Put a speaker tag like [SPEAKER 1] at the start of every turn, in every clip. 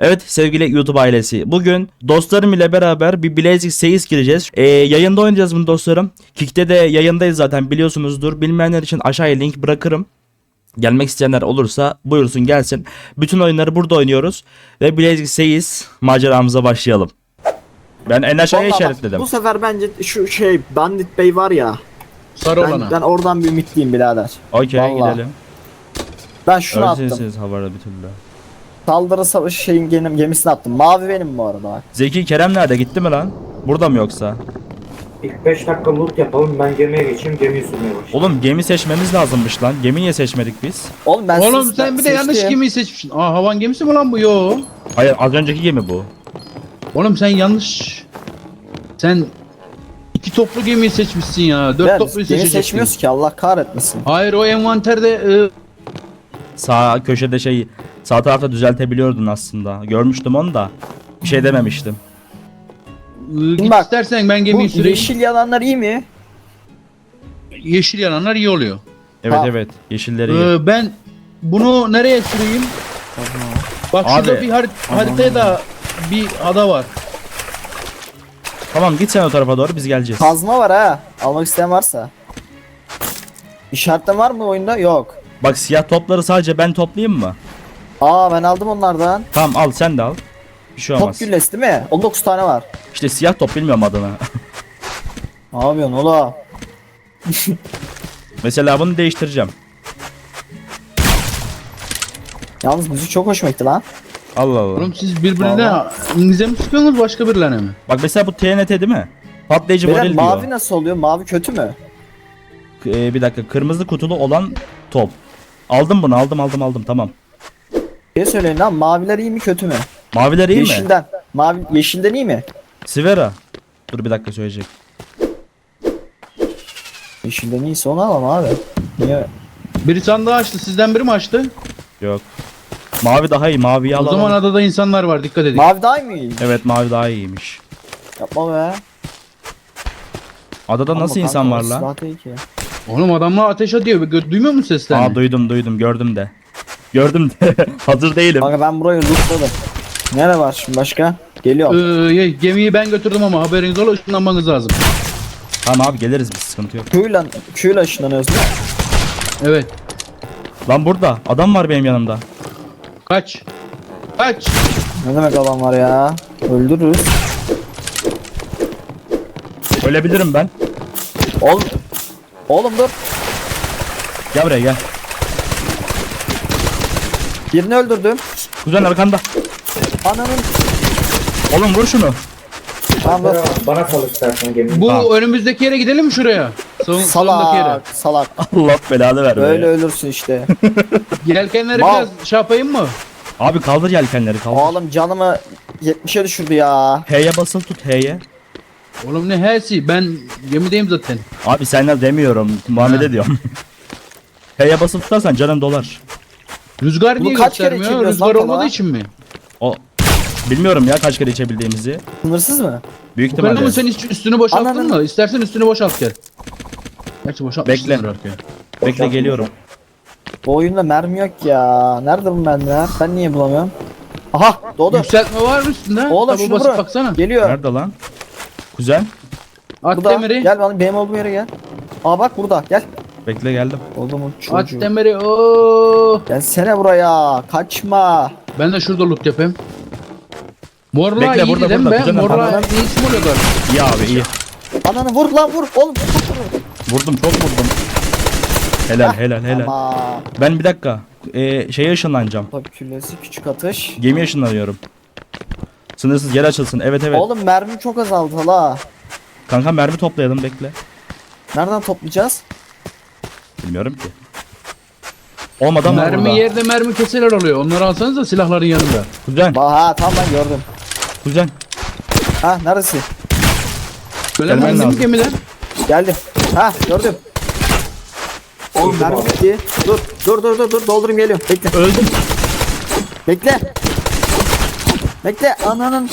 [SPEAKER 1] Evet sevgili YouTube ailesi, bugün dostlarım ile beraber bir Blazik Seyis gireceğiz. Yayında oynayacağız bunu dostlarım. Kick'te de yayındayız zaten, biliyorsunuzdur. Bilmeyenler için aşağıya link bırakırım. Gelmek isteyenler olursa buyursun gelsin. Bütün oyunları burada oynuyoruz. Ve Blazik Seyis maceramıza başlayalım. Ben en aşağıya
[SPEAKER 2] Vallahi bak,
[SPEAKER 1] işaretledim.
[SPEAKER 2] bu sefer bence şu Bandit Bey var ya.
[SPEAKER 3] Sarı olana.
[SPEAKER 2] Ben oradan bir ümitliyim birader.
[SPEAKER 1] Okey,
[SPEAKER 2] Vallahi.
[SPEAKER 1] gidelim.
[SPEAKER 2] Ben şunu attım.
[SPEAKER 1] Ölçüsünüz havada bir türlü.
[SPEAKER 2] Saldırı savaşı gemisini attım. Mavi benim bu arada bak.
[SPEAKER 1] Zeki Kerem nerede, gitti mi lan? Burada mı yoksa?
[SPEAKER 4] İlk 5 dakika loot yapalım, ben gemiye geçeyim, gemiyi sürmeye başlayayım.
[SPEAKER 1] Oğlum gemi seçmemiz lazımmış lan. Gemi niye seçmedik biz?
[SPEAKER 2] Oğlum ben
[SPEAKER 3] Oğlum sen bir de yanlış
[SPEAKER 2] seçtim.
[SPEAKER 3] gemiyi seçmişsin. Aa, havan gemisi mi lan bu? Yo.
[SPEAKER 1] Hayır, az önceki gemi bu.
[SPEAKER 3] Oğlum sen yanlış. Sen iki toplu gemiyi seçmişsin ya. Dört
[SPEAKER 2] Ben
[SPEAKER 3] topluyu
[SPEAKER 2] gemi
[SPEAKER 3] seçeceksin.
[SPEAKER 2] seçmiyoruz ki, Allah kahretmesin.
[SPEAKER 3] Hayır, o envanterde
[SPEAKER 1] Sağ köşede sağ tarafta düzeltebiliyordun aslında. Görmüştüm onu da. Bir şey dememiştim.
[SPEAKER 3] git
[SPEAKER 2] bak,
[SPEAKER 3] istersen ben
[SPEAKER 2] Bu
[SPEAKER 3] gemiyi süreyim.
[SPEAKER 2] yeşil yalanlar iyi mi?
[SPEAKER 3] Yeşil yananlar iyi oluyor.
[SPEAKER 1] Evet
[SPEAKER 2] Ha.
[SPEAKER 1] evet, yeşilleri iyi.
[SPEAKER 3] Ben bunu nereye süreyim? Bak
[SPEAKER 1] Abi.
[SPEAKER 3] şurada bir haritaya da bir ada var.
[SPEAKER 1] Tamam, git sen o tarafa doğru, biz geleceğiz.
[SPEAKER 2] Kazma var ha. Almak isteyen varsa. İşaretten var mı oyunda? Yok.
[SPEAKER 1] Bak, siyah topları sadece ben toplayayım mı?
[SPEAKER 2] Aa, ben aldım onlardan.
[SPEAKER 1] Tamam, al sen de al. Bir şey olmaz.
[SPEAKER 2] Top güllesi değil mi? 19 tane var.
[SPEAKER 1] İşte siyah top, bilmiyorum adını.
[SPEAKER 2] Ne yapıyorsun oğlum?
[SPEAKER 1] Mesela bunu değiştireceğim.
[SPEAKER 2] Yalnız müzik çok hoşuma gitti lan.
[SPEAKER 1] Allah Allah.
[SPEAKER 3] Oğlum siz birbirine
[SPEAKER 2] Vallahi.
[SPEAKER 3] İngilizce mi sıkıyorsunuz, başka birilerine mi?
[SPEAKER 1] Bak mesela bu TNT değil mi? Patlayıcı
[SPEAKER 2] Beyler,
[SPEAKER 1] varil
[SPEAKER 2] mavi
[SPEAKER 1] diyor.
[SPEAKER 2] nasıl oluyor? Mavi kötü mü?
[SPEAKER 1] Bir dakika, kırmızı kutulu olan top. Aldım bunu, aldım tamam.
[SPEAKER 2] Bir söyleyin lan, maviler iyi mi kötü mü?
[SPEAKER 1] Maviler iyi mi?
[SPEAKER 2] Yeşilden. Yeşilden iyi mi?
[SPEAKER 1] Sivera. Dur bir dakika, söyleyecek.
[SPEAKER 2] Yeşilden iyiyse onu alalım abi. Niye?
[SPEAKER 3] Biri sandığı açtı, sizden biri mi açtı?
[SPEAKER 1] Yok. Mavi daha iyi, maviyi
[SPEAKER 3] O
[SPEAKER 1] alalım.
[SPEAKER 3] zaman adada insanlar var, dikkat edin.
[SPEAKER 2] Mavi daha iyi mi?
[SPEAKER 1] Evet, mavi daha iyiymiş.
[SPEAKER 2] Yapma be.
[SPEAKER 1] Adada nasıl
[SPEAKER 2] Ama
[SPEAKER 1] insan
[SPEAKER 2] kanka,
[SPEAKER 1] var
[SPEAKER 2] o
[SPEAKER 1] lan?
[SPEAKER 2] silah değil ki.
[SPEAKER 3] Oğlum adamlar ateş atıyor, duymuyor musun seslerini?
[SPEAKER 1] Aa, duydum, gördüm de. Gördüm de. Hazır değilim.
[SPEAKER 2] Kanka ben burayı lootladım. Nere var şimdi başka? Geliyor.
[SPEAKER 3] Gemiyi ben götürdüm ama haberiniz ola, ışınlanmanız lazım.
[SPEAKER 1] Tamam abi, geliriz biz, sıkıntı yok.
[SPEAKER 2] Q'yla ışınlanıyoruz değil mi?
[SPEAKER 3] Evet.
[SPEAKER 1] Lan burada adam var benim yanımda.
[SPEAKER 3] Kaç. Kaç.
[SPEAKER 2] Ne demek adam var ya? Öldürürüz.
[SPEAKER 1] Ölebilirim ben.
[SPEAKER 2] Oğlum dur.
[SPEAKER 1] Gel buraya gel.
[SPEAKER 2] Birini öldürdüm.
[SPEAKER 1] Kuzen arkanda.
[SPEAKER 2] Ananın.
[SPEAKER 1] Oğlum vur şunu.
[SPEAKER 2] Tamam dur.
[SPEAKER 4] Bana kal istersen gemi.
[SPEAKER 3] Bu
[SPEAKER 1] Tamam.
[SPEAKER 3] önümüzdeki yere gidelim mi şuraya? Salondaki yere.
[SPEAKER 2] Salak.
[SPEAKER 1] Allah belanı ver.
[SPEAKER 2] Böyle ölürsün işte.
[SPEAKER 3] Yelkenleri
[SPEAKER 2] Mal.
[SPEAKER 3] biraz şey yapayım mı?
[SPEAKER 1] Abi kaldır yelkenleri, kaldır.
[SPEAKER 2] Oğlum canımı 70'e düşürdü ya.
[SPEAKER 1] H'ye basılı tut, H'ye.
[SPEAKER 3] Oğlum ne hesi, ben gemideyim zaten.
[SPEAKER 1] Abi senden demiyorum, Muhammed'e
[SPEAKER 3] Ha.
[SPEAKER 1] diyorum. H'ye basılı tutarsan canın dolar.
[SPEAKER 3] Rüzgar
[SPEAKER 2] Bunu
[SPEAKER 3] niye
[SPEAKER 2] kaç kere
[SPEAKER 3] göstermiyor?
[SPEAKER 2] içebiliyoruz
[SPEAKER 3] Rüzgar
[SPEAKER 2] lan
[SPEAKER 3] olmadığı
[SPEAKER 2] tava?
[SPEAKER 3] için mi?
[SPEAKER 1] O bilmiyorum ya kaç kere içebildiğimizi.
[SPEAKER 2] Sınırsız mı?
[SPEAKER 1] Büyük
[SPEAKER 3] Bu kadar
[SPEAKER 1] ihtimalle.
[SPEAKER 3] mı sen hiç üstünü boşalttın
[SPEAKER 2] Ananın-
[SPEAKER 3] mı? İstersen üstünü boşalt gel. Gerçi boşaltmışsın
[SPEAKER 1] Bekle.
[SPEAKER 3] artık ya.
[SPEAKER 1] Bekle, geliyorum.
[SPEAKER 2] Bu oyunda mermi yok ya. Nerede bu mermiler? Ben niye bulamıyorum? Aha doğdu.
[SPEAKER 3] Yükseltme var mı üstünde?
[SPEAKER 2] Oğlum
[SPEAKER 3] Tabu
[SPEAKER 2] şunu
[SPEAKER 3] basıp
[SPEAKER 2] bırak.
[SPEAKER 3] baksana.
[SPEAKER 2] Geliyor.
[SPEAKER 1] Nerede lan? Kuzen.
[SPEAKER 3] At
[SPEAKER 2] Burada.
[SPEAKER 3] demiri.
[SPEAKER 2] Gel benim olduğum yere gel. Aa bak burada gel.
[SPEAKER 1] Bekle, geldim.
[SPEAKER 2] Oğlumun
[SPEAKER 3] At
[SPEAKER 2] çocuğu.
[SPEAKER 3] demiri. Oo.
[SPEAKER 2] Gelsene buraya. Kaçma.
[SPEAKER 3] Ben de şurada loot yapayım. Morla
[SPEAKER 1] Bekle,
[SPEAKER 3] iyiydi
[SPEAKER 1] burada,
[SPEAKER 3] değil mi
[SPEAKER 1] burada.
[SPEAKER 3] be?
[SPEAKER 1] Kuzenim,
[SPEAKER 3] Morla
[SPEAKER 2] tamam.
[SPEAKER 3] iyi isim oluyor galiba.
[SPEAKER 1] İyi abi, iyi.
[SPEAKER 2] Ananı vur lan vur. Oğlum vur.
[SPEAKER 1] Vurdum, çok vurdum. Helal.
[SPEAKER 2] Ama.
[SPEAKER 1] Ben bir dakika. Şeye ışınlanacağım.
[SPEAKER 2] Tabii küllesi küçük atış.
[SPEAKER 1] Gemiye ışınlanıyorum. Sınırsız yer açılsın. Evet.
[SPEAKER 2] Oğlum mermi çok azaldı hala.
[SPEAKER 1] Kanka mermi toplayalım, bekle.
[SPEAKER 2] Nereden toplayacağız?
[SPEAKER 1] Bilmiyorum ki. Olmadan var
[SPEAKER 3] Mermi
[SPEAKER 1] burada.
[SPEAKER 3] yerde mermi keseler oluyor. Onları alsanız da silahların yanında.
[SPEAKER 1] Kuzen.
[SPEAKER 2] Ha tamam ben gördüm.
[SPEAKER 1] Kuzen.
[SPEAKER 2] Ha neresi?
[SPEAKER 3] Böyle
[SPEAKER 1] Gelmen
[SPEAKER 3] mermi mi
[SPEAKER 1] lazım.
[SPEAKER 3] gemiler?
[SPEAKER 2] Geldim. Ha gördüm. Oğlum mermi bitti. Dur doldurayım geliyorum. Bekle.
[SPEAKER 1] Öldüm.
[SPEAKER 2] Bekle. Bekle ananın.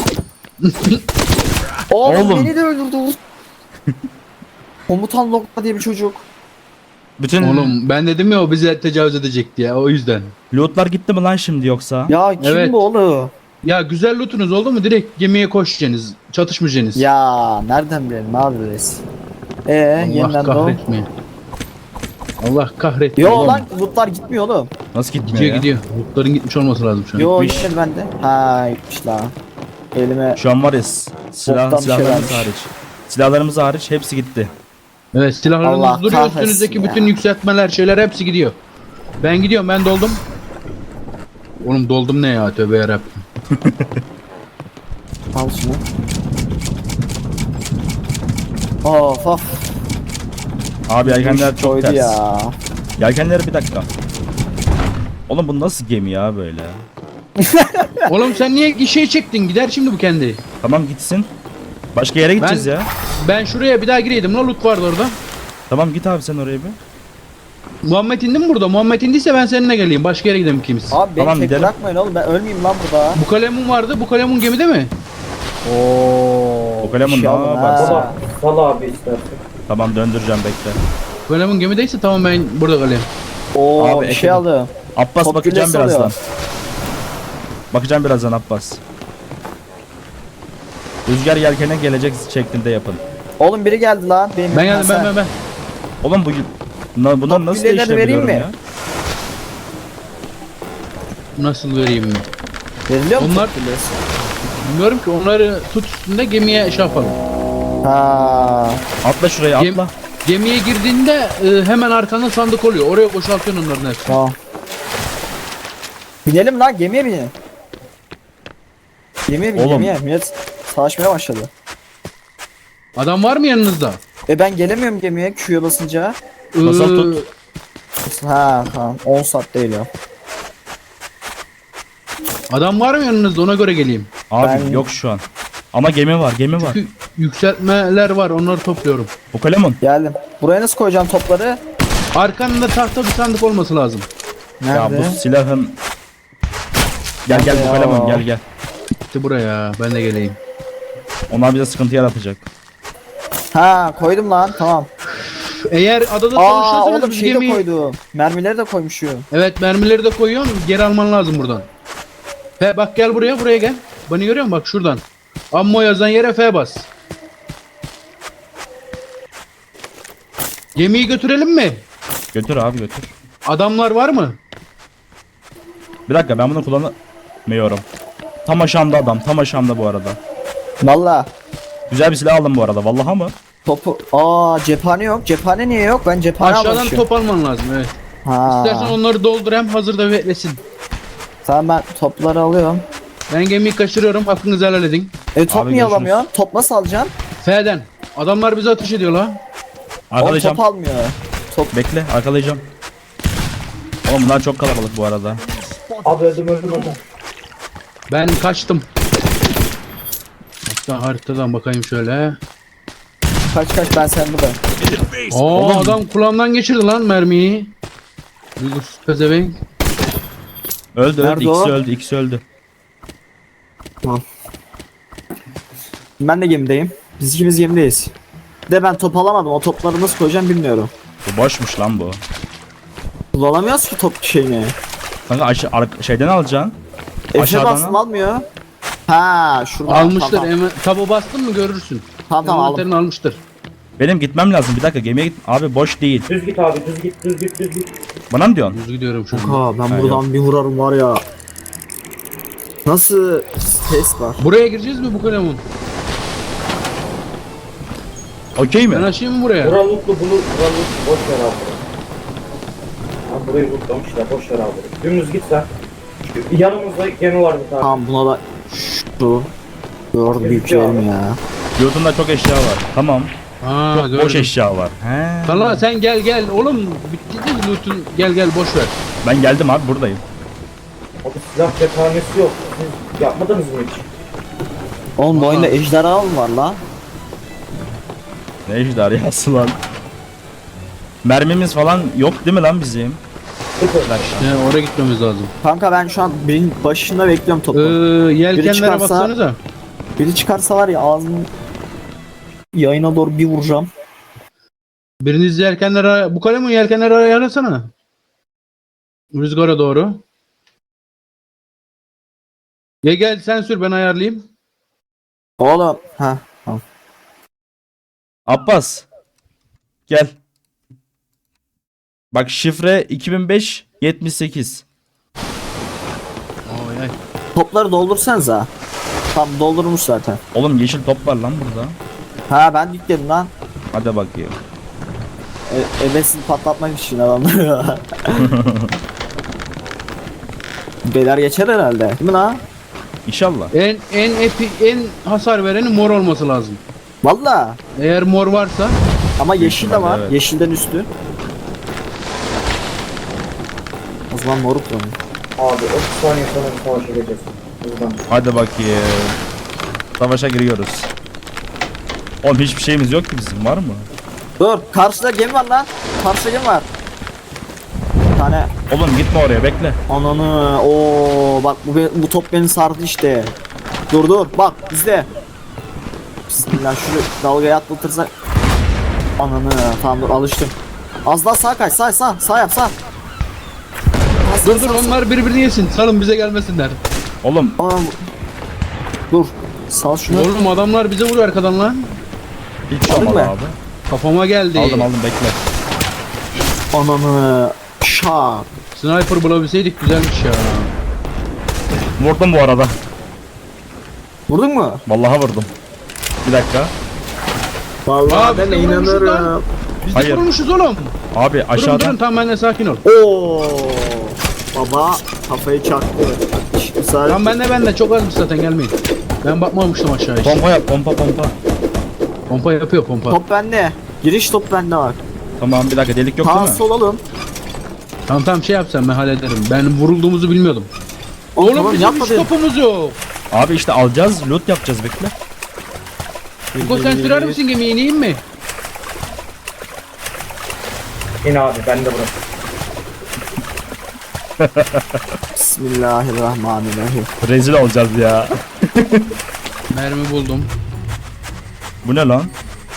[SPEAKER 2] Oğlum,
[SPEAKER 1] Oğlum.
[SPEAKER 2] beni de öldürdü. Komutan Lokma diye bir çocuk.
[SPEAKER 1] Bütün
[SPEAKER 3] Oğlum ben dedim ya o bize tecavüz edecekti ya, o yüzden.
[SPEAKER 1] lootlar gitti mi lan şimdi yoksa?
[SPEAKER 2] Ya kim
[SPEAKER 3] Evet.
[SPEAKER 2] bu oğlum?
[SPEAKER 3] Ya güzel lootunuz oldu mu? Direkt gemiye koşacaksınız. Çatışmayacaksınız.
[SPEAKER 2] Ya nereden bilelim abi reis?
[SPEAKER 3] Allah
[SPEAKER 2] Yeniden doğ.
[SPEAKER 3] kahretmeyin. Allah kahretmeyin.
[SPEAKER 2] Yo
[SPEAKER 3] oğlum.
[SPEAKER 2] lan lootlar gitmiyor oğlum.
[SPEAKER 1] Nasıl gitmiyor
[SPEAKER 3] Gidiyor
[SPEAKER 1] ya?
[SPEAKER 3] gidiyor. Lootların gitmiş olması lazım şu an.
[SPEAKER 2] Yo
[SPEAKER 1] Gitmiş.
[SPEAKER 2] gitmedi bende. Ha gitmiş la. Elime
[SPEAKER 1] Şu an var ya
[SPEAKER 2] Boktan bir şey
[SPEAKER 1] silahlarımız
[SPEAKER 2] vermiş.
[SPEAKER 1] hariç. Silahlarımız hariç hepsi gitti.
[SPEAKER 3] Evet silahlarınız
[SPEAKER 2] Allah
[SPEAKER 3] duruyor.
[SPEAKER 2] kahretsin
[SPEAKER 3] Üstünüzdeki
[SPEAKER 2] ya.
[SPEAKER 3] bütün yükseltmeler şeyler hepsi gidiyor. Ben gidiyorum ben doldum. Oğlum doldum ne ya tövbe yarabbim.
[SPEAKER 2] al şunu. Of of.
[SPEAKER 1] Abi yelkenler çok
[SPEAKER 2] Koydu
[SPEAKER 1] ters.
[SPEAKER 2] ya.
[SPEAKER 1] Yelkenleri bir dakika. Oğlum bu nasıl gemi ya böyle?
[SPEAKER 3] Oğlum sen niye şey çektin? Gider şimdi bu kendi.
[SPEAKER 1] Tamam gitsin. Başka yere gideceğiz ya.
[SPEAKER 3] Ben şuraya bir daha gireydim. Ne loot vardı orada?
[SPEAKER 1] Tamam git abi sen oraya bir.
[SPEAKER 3] Muhammed indi mi burada? Muhammed indiyse ben seninle geleyim. Başka yere gidelim ikimiz.
[SPEAKER 2] Abi beni
[SPEAKER 1] Tamam,
[SPEAKER 2] tek
[SPEAKER 1] gidelim.
[SPEAKER 2] bırakmayın oğlum ben ölmeyeyim lan burada.
[SPEAKER 3] Bu kalemun vardı. Bu kalemun gemide mi?
[SPEAKER 2] Oo.
[SPEAKER 1] O kalemun
[SPEAKER 2] bir şey
[SPEAKER 1] ne
[SPEAKER 2] alın
[SPEAKER 1] yaparsın?
[SPEAKER 2] ha.
[SPEAKER 4] Sal abi istersen.
[SPEAKER 1] Tamam döndüreceğim bekle.
[SPEAKER 3] Bu kalemun gemideyse tamam ben burada kalayım.
[SPEAKER 2] Oo
[SPEAKER 1] Abi,
[SPEAKER 2] bir şey
[SPEAKER 1] ekledim.
[SPEAKER 2] aldım.
[SPEAKER 1] Abbas
[SPEAKER 2] Top
[SPEAKER 1] bakacağım
[SPEAKER 2] güllesi
[SPEAKER 1] birazdan.
[SPEAKER 2] alıyor.
[SPEAKER 1] Bakacağım birazdan Abbas. Rüzgar yelkene gelecek şeklinde yapın.
[SPEAKER 2] Oğlum biri geldi lan. Benim
[SPEAKER 3] Ben geldim ben.
[SPEAKER 1] Oğlum bunlar
[SPEAKER 2] Top
[SPEAKER 1] nasıl
[SPEAKER 2] gülleleri
[SPEAKER 1] değiştirebiliyorum
[SPEAKER 2] vereyim
[SPEAKER 1] ya?
[SPEAKER 2] mi?
[SPEAKER 3] Nasıl vereyim mi?
[SPEAKER 2] Veriliyor mu
[SPEAKER 3] Onlar-
[SPEAKER 2] top güllesi?
[SPEAKER 3] Bilmiyorum ki onları tut üstünde gemiye şey yapalım.
[SPEAKER 2] Ha.
[SPEAKER 1] Atla şuraya
[SPEAKER 3] Gem-
[SPEAKER 1] atla.
[SPEAKER 3] Gemiye girdiğinde hemen arkanda sandık oluyor. Oraya boşaltıyorsun onların hepsini.
[SPEAKER 2] Tamam. Binelim lan gemiye binelim. Gemiye bin
[SPEAKER 1] Oğlum.
[SPEAKER 2] gemiye. Millet savaşmaya başladı.
[SPEAKER 3] Adam var mı yanınızda?
[SPEAKER 2] Ben gelemiyorum gemiye Q'ya basınca.
[SPEAKER 1] Basal
[SPEAKER 3] Ee,
[SPEAKER 1] tut.
[SPEAKER 2] Ha tamam 10 saat değil ya.
[SPEAKER 3] Adam var mı yanınızda ona göre geleyim.
[SPEAKER 1] Abi
[SPEAKER 2] Ben-
[SPEAKER 1] yok şu an. Ama gemi var.
[SPEAKER 3] Çünkü yükseltmeler var onları topluyorum.
[SPEAKER 1] Bu kalemun.
[SPEAKER 2] Geldim. Buraya nasıl koyacağım topları?
[SPEAKER 3] Arkanda tahta bir sandık olması lazım.
[SPEAKER 1] Ya
[SPEAKER 2] Nerede?
[SPEAKER 1] bu silahın. Gel
[SPEAKER 2] Nerede
[SPEAKER 1] bu
[SPEAKER 2] ya?
[SPEAKER 1] kalemun gel.
[SPEAKER 3] İşte buraya ben de geleyim.
[SPEAKER 1] Onlar bize sıkıntı yaratacak.
[SPEAKER 2] Ha koydum lan tamam.
[SPEAKER 3] Eğer adada
[SPEAKER 2] Aa
[SPEAKER 3] çalışırsanız
[SPEAKER 2] oğlum
[SPEAKER 3] biz
[SPEAKER 2] şeyi de
[SPEAKER 3] gemiyi...
[SPEAKER 2] koydum. Mermileri de koymuşum.
[SPEAKER 3] Evet mermileri de koyuyorsun geri alman lazım buradan. F bak gel buraya gel. Beni görüyor musun bak şuradan. Ammo yazan yere F bas. Gemiyi götürelim mi?
[SPEAKER 1] Götür abi götür.
[SPEAKER 3] Adamlar var mı?
[SPEAKER 1] Bir dakika ben bunu kullanamıyorum. Tam aşağımda adam. Tam aşağımda bu arada.
[SPEAKER 2] Valla.
[SPEAKER 1] Güzel bir silah aldım bu arada. Vallahi mı?
[SPEAKER 2] Topu. Cephane yok. Cephane niye yok? Ben cephane
[SPEAKER 3] Aşağıdan
[SPEAKER 2] almışım.
[SPEAKER 3] top alman lazım evet.
[SPEAKER 2] Ha.
[SPEAKER 3] İstersen onları doldur hem hazırda beklesin.
[SPEAKER 2] Tamam ben topları alıyorum.
[SPEAKER 3] Ben gemiyi kaçırıyorum hakkınızı helal edin.
[SPEAKER 2] Top
[SPEAKER 1] Abi,
[SPEAKER 2] niye
[SPEAKER 1] görüşürüz.
[SPEAKER 2] alamıyor? Top nasıl alacaksın?
[SPEAKER 3] F'den. Adamlar bize ateş ediyor la.
[SPEAKER 2] Oğlum
[SPEAKER 1] Arkalayacağım.
[SPEAKER 2] top almıyor. Top.
[SPEAKER 1] Bekle arkalayacağım. Oğlum bunlar çok kalabalık bu arada.
[SPEAKER 4] Abi öldüm.
[SPEAKER 3] Ben kaçtım. Hatta haritadan bakayım şöyle.
[SPEAKER 2] Kaç ben sen burada.
[SPEAKER 3] Adam kulağımdan geçirdi lan mermiyi. Duygusuz pezevenk.
[SPEAKER 1] Öldü
[SPEAKER 2] Nerede
[SPEAKER 1] ikisi
[SPEAKER 2] o?
[SPEAKER 1] öldü ikisi öldü.
[SPEAKER 2] Ben de gemideyim. Biz ikimiz gemideyiz. De ben top alamadım. O topları nasıl koyacağım bilmiyorum.
[SPEAKER 1] Bu boşmuş lan bu.
[SPEAKER 2] Kullanamıyoruz ki top şeyini.
[SPEAKER 1] Kanka şeyden alacaksın.
[SPEAKER 2] Efe
[SPEAKER 1] Aşağıdan
[SPEAKER 2] bastım
[SPEAKER 1] al.
[SPEAKER 2] almıyor. Ha şurada.
[SPEAKER 3] Almıştır.
[SPEAKER 2] Tamam
[SPEAKER 3] Hemen, taba bastın mı görürsün.
[SPEAKER 2] tamam aldım.
[SPEAKER 3] Envanterini almıştır.
[SPEAKER 1] Benim gitmem lazım. Bir dakika gemiye git. Abi boş değil.
[SPEAKER 4] Düz git abi düz git.
[SPEAKER 1] Bana mı diyorsun?
[SPEAKER 3] Düz gidiyorum şu an.
[SPEAKER 2] Ha ben
[SPEAKER 1] Ha,
[SPEAKER 2] buradan bir vurarım var ya. Nasıl ses var?
[SPEAKER 3] Buraya gireceğiz mi bu kalemun?
[SPEAKER 1] Okey mi?
[SPEAKER 3] Ben açayım mı buraya?
[SPEAKER 4] Bura lootlu boş ver abi. Abi burayı lootlamışlar boş ver abi. Dümdüz git sen. Yanımızda gemi var bir tane.
[SPEAKER 2] Tamam buna da şu. Gördüm büyüklerim ya.
[SPEAKER 1] Yurtunda çok eşya var. Tamam.
[SPEAKER 3] Ha
[SPEAKER 1] Çok
[SPEAKER 3] gördüm.
[SPEAKER 1] boş eşya var. He.
[SPEAKER 3] Sana sen gel oğlum bitti değil loot'un gel boş ver.
[SPEAKER 1] Ben geldim abi buradayım.
[SPEAKER 4] Abi silah cephanesi yok. Siz yapmadınız mı hiç?
[SPEAKER 2] Oğlum bu oyunda ejderha mı var lan?
[SPEAKER 1] Ne ejderhası lan. Mermimiz falan yok değil mi lan bizim?
[SPEAKER 4] Sıfır.
[SPEAKER 1] Bir dakika.
[SPEAKER 3] Ya oraya gitmemiz lazım.
[SPEAKER 2] Kanka ben şu an birinin başında bekliyorum topu.
[SPEAKER 3] Yelkenlere
[SPEAKER 2] çıkarsa-
[SPEAKER 3] baksanıza.
[SPEAKER 2] Biri çıkarsa var ya ağzını yayına doğru bir vuracağım.
[SPEAKER 3] Biriniz yelkenlere bu kalemun yelkenlere ayarlasana. Rüzgara doğru. Gel sen sür ben ayarlayayım.
[SPEAKER 2] Oğlum. Ha. Tamam.
[SPEAKER 1] Abbas. Gel. Bak şifre 2005 78.
[SPEAKER 3] Oy ay.
[SPEAKER 2] Topları doldursanıza. Tam doldurmuş zaten.
[SPEAKER 1] Oğlum yeşil top var lan burada.
[SPEAKER 2] Ha ben yükledim lan.
[SPEAKER 1] Hadi bakayım.
[SPEAKER 2] Ebesini patlatmak için adamları. Beyler geçer herhalde. Değil mi lan?
[SPEAKER 1] İnşallah.
[SPEAKER 3] En hasar vereni mor olması lazım.
[SPEAKER 2] Valla.
[SPEAKER 3] Eğer mor varsa
[SPEAKER 2] Ama yeşil de var.
[SPEAKER 1] evet.
[SPEAKER 2] Yeşilden üstü. O zaman moruk lan.
[SPEAKER 4] Abi 30 saniye sonra bir savaşa gireceğiz. Buradan.
[SPEAKER 1] Hadi bakayım. Savaşa giriyoruz. Oğlum hiçbir şeyimiz yok ki bizim, var mı?
[SPEAKER 2] Dur. Karşıda gemi var lan. Karşıda gemi var. Bir tane.
[SPEAKER 1] Oğlum gitme oraya, bekle.
[SPEAKER 2] Ananı. Oo bak bu top beni sardı işte. Dur. Bak izle. Bismillah şunu dalgaya atlatırsak. Ananı. Tamam dur alıştım. Az daha sağa kaç. Sağ yap sağ.
[SPEAKER 3] dur onlar birbirini yesin. Salın bize gelmesinler.
[SPEAKER 1] Oğlum
[SPEAKER 2] Aa, dur. Sal şunu.
[SPEAKER 3] Oğlum adamlar bize vuruyor arkadan lan.
[SPEAKER 1] hiç şey
[SPEAKER 2] Aldın
[SPEAKER 1] olmadı
[SPEAKER 2] mı?
[SPEAKER 1] abi.
[SPEAKER 3] Kafama geldi.
[SPEAKER 1] Aldım bekle.
[SPEAKER 2] Ananı. Şak.
[SPEAKER 3] Sniper bulabilseydik güzelmiş ya.
[SPEAKER 1] Vurdum bu arada.
[SPEAKER 2] Vurdun mu?
[SPEAKER 1] Vallahi vurdum. Bir dakika.
[SPEAKER 2] Vallahi
[SPEAKER 3] Aa,
[SPEAKER 2] ben
[SPEAKER 3] biz de vurmuşuz
[SPEAKER 2] inanırım.
[SPEAKER 3] Biz
[SPEAKER 1] Hayır.
[SPEAKER 3] de vurmuşuz oğlum.
[SPEAKER 1] Abi
[SPEAKER 3] Durun
[SPEAKER 1] aşağıdan.
[SPEAKER 3] tamam ben de sakin ol.
[SPEAKER 2] Oo. Baba kafayı çaktı. İşte sadece.
[SPEAKER 3] Tamam ben de çok azmış zaten gelmeyin. Ben bakmamıştım aşağı hiç.
[SPEAKER 1] Pompa yap, pompa.
[SPEAKER 3] Pompa yapıyor pompa.
[SPEAKER 2] Top bende. Giriş top bende var.
[SPEAKER 1] Tamam bir dakika, delik yok değil
[SPEAKER 2] Sağ
[SPEAKER 1] mi?
[SPEAKER 2] sol alalım.
[SPEAKER 3] Tamam şey yapsam ben hallederim. Ben vurulduğumuzu bilmiyordum. Oğlum
[SPEAKER 2] tamam,
[SPEAKER 3] bizim
[SPEAKER 2] yapma
[SPEAKER 3] hiç
[SPEAKER 2] dedim.
[SPEAKER 3] topumuz yok.
[SPEAKER 1] Abi işte alacağız, loot yapacağız, bekle.
[SPEAKER 3] Hugo sen sürer misin gemiyi ineyim mi?
[SPEAKER 4] İn abi ben de burası.
[SPEAKER 2] Bismillahirrahmanirrahim.
[SPEAKER 1] Rezil olacağız ya.
[SPEAKER 3] Mermi buldum.
[SPEAKER 1] Bu ne lan?